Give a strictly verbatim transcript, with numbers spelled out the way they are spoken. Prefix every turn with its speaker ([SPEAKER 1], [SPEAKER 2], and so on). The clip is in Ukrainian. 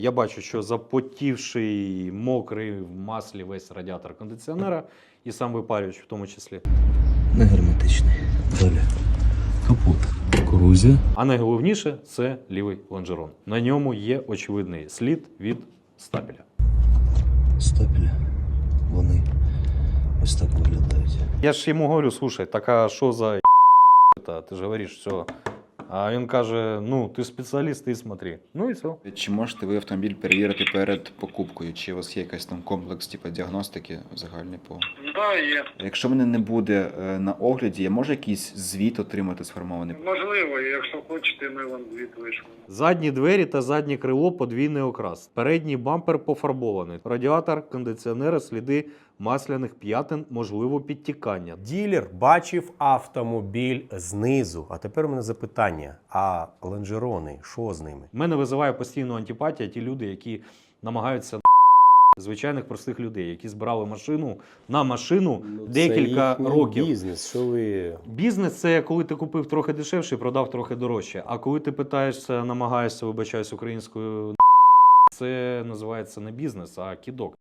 [SPEAKER 1] Я бачу, що запотівший, мокрий в маслі весь радіатор кондиціонера і сам випарювач в тому числі.
[SPEAKER 2] Не герметичний. Далі. Капот. Корозія.
[SPEAKER 1] А найголовніше – це лівий лонжерон. На ньому є очевидний слід від стапеля.
[SPEAKER 2] Стапеля. Вони ось так виглядають.
[SPEAKER 1] Я ж йому говорю, слушай, так а що за та? Ти ж говориш, все. А він каже, ну, ти спеціаліст, ти смотри. Ну і все.
[SPEAKER 3] Чи можете ви автомобіль перевірити перед покупкою? Чи у вас є якийсь там комплекс типу, діагностики загальний по?
[SPEAKER 4] Да, є.
[SPEAKER 3] Якщо мене не буде е, на огляді, я можу якийсь звіт отримати сформований?
[SPEAKER 4] Можливо, якщо хочете, ми вам звіт вийшли.
[SPEAKER 1] Задні двері та заднє крило подвійний окрас. Передній бампер пофарбований. Радіатор, кондиціонери, сліди масляних п'ятин, можливо підтікання.
[SPEAKER 5] Ділер бачив автомобіль знизу. А тепер у мене запитання: а лонжерони, що з ними?
[SPEAKER 1] Мене визиває постійну антипатія ті люди, які намагаються звичайних простих людей, які збирали машину на машину декілька
[SPEAKER 5] це
[SPEAKER 1] років.
[SPEAKER 5] Бізнес, що ви.
[SPEAKER 1] Бізнес – це коли ти купив трохи дешевше і продав трохи дорожче. А коли ти питаєшся, намагаєшся, вибачаюсь українською, це називається не бізнес, а кідок.